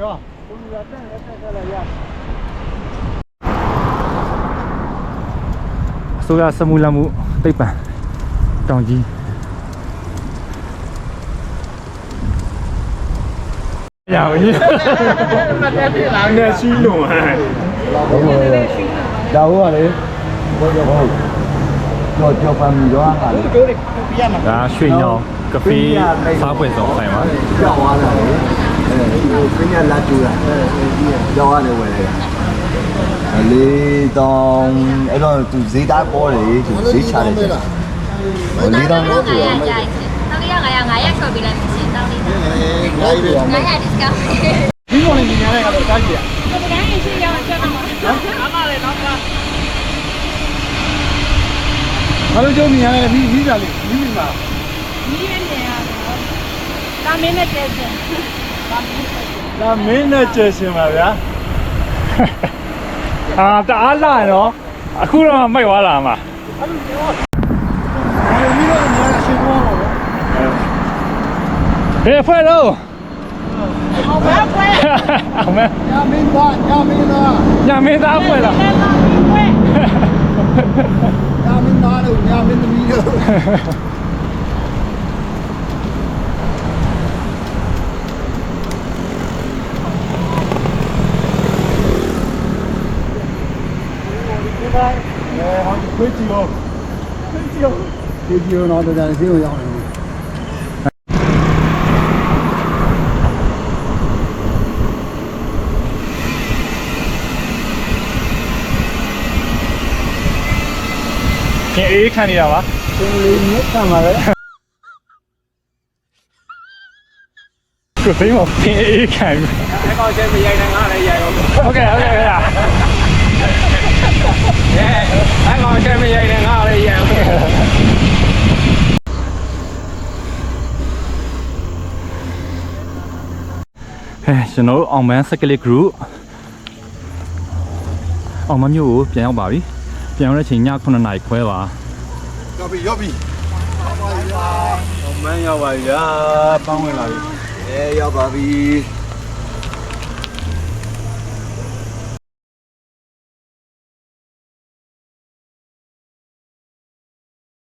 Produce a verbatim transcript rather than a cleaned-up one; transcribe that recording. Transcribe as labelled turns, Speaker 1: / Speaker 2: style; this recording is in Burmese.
Speaker 1: ကျော်ကိုလူရတက်တက်တက်လာရ
Speaker 2: ဆိုရစမူလာမှုတိတ်ပံတောင်ကြီးရပါဘူးနဲ့ရှိလုံးဟဲ့
Speaker 1: ဒါဟုတ်ပါလေဘောကျော်ဘောကျော်ကျော်ပန်းရောဟာလေကျိုးတွေပြရမှာ
Speaker 2: ဒါရွှေညောင်ကဖေးစားပွဲဆောင်ဆိုင်ပါ
Speaker 1: ကြောက်သွားတာလေအဲဟိုပြညာလာကျူတာအဲကြောက်ရတယ်ဝယ်လိုက်တာလေးတောင်အဲ့တော့သူဈေးသားပေါ်တယ်သူဈေးချတယ်လေးတောင်လို့ပြောမှာ
Speaker 3: တောင်းလေးရငါရငါရချော်ပေးလိုက်မယ်ရှင်တောင်းလေးငါရငါရ discount
Speaker 1: ဒီမော်လေးညာလိုက်ကတော့စားကြည့်ရ
Speaker 3: ဒီကနေ့ရှိရအောင်ချက်တော့နော်အားမလေးတော့က
Speaker 1: ဘာလို့ကျုံညာလဲပြီးပြီးတာလေးပြီးပြီမှာ
Speaker 3: မီးရနေရတာမင်းနဲ့ကျဲရှင်
Speaker 1: ဒါမင်းနဲ့ကျဲရှင်ပါဗျာ
Speaker 2: အာတအားလာနော်အခုတော့မိုက်သွားလာမှာ
Speaker 1: အဲ့လိုပြောအဲ့ဒီတော့ညာရှင်သွားပါဘော
Speaker 2: ဘယ်ဖွဲ့တော့
Speaker 3: အောင်ပါဖွဲ
Speaker 2: အောင်မဲ
Speaker 1: ညာမင်းသားညာမင်းသား
Speaker 2: ညာမင်းသားဖွဲ့လား
Speaker 1: ညာမင်းသားတို့ညာမင်းသမီးတို့အဲဟောခွေးကြည့်ရောခွေးကြည့်ရောခွေးကြည့်ရောတော့တရားစီကိုရောက်နေတယ်
Speaker 2: ခင်အေးခံနေတာပါ
Speaker 1: သင်လေးမြတ်ခံပါလေ
Speaker 2: ကိုသိမ်းမခင်အေးခံပြီ
Speaker 1: အဲ့ကောင်ချင်းမရိုက်နဲ့ငါလည်းရိုက်ရော
Speaker 2: ဟုတ်ကဲ့ဟုတ်ကဲ့ခင်ဗျာ
Speaker 1: အဲအဲ့ကောင်ချင်းမရိုက်နဲ့ငါလည်းရိုက်ရော
Speaker 2: ဟဲ့ကျွန်တော်အောင်မန်းစကလစ် group အောင်မမျိုးကိုပြန်ရောက်ပါပြီပြန်ရောက်တဲ့အချိန်ည9နာရီခွဲပါ
Speaker 1: ရောက်ပြီရောက်ပြီအောင်မန်းရောက်ပါပြီဗျာပန်းဝင်လာပြီအဲရောက်ပါပြီ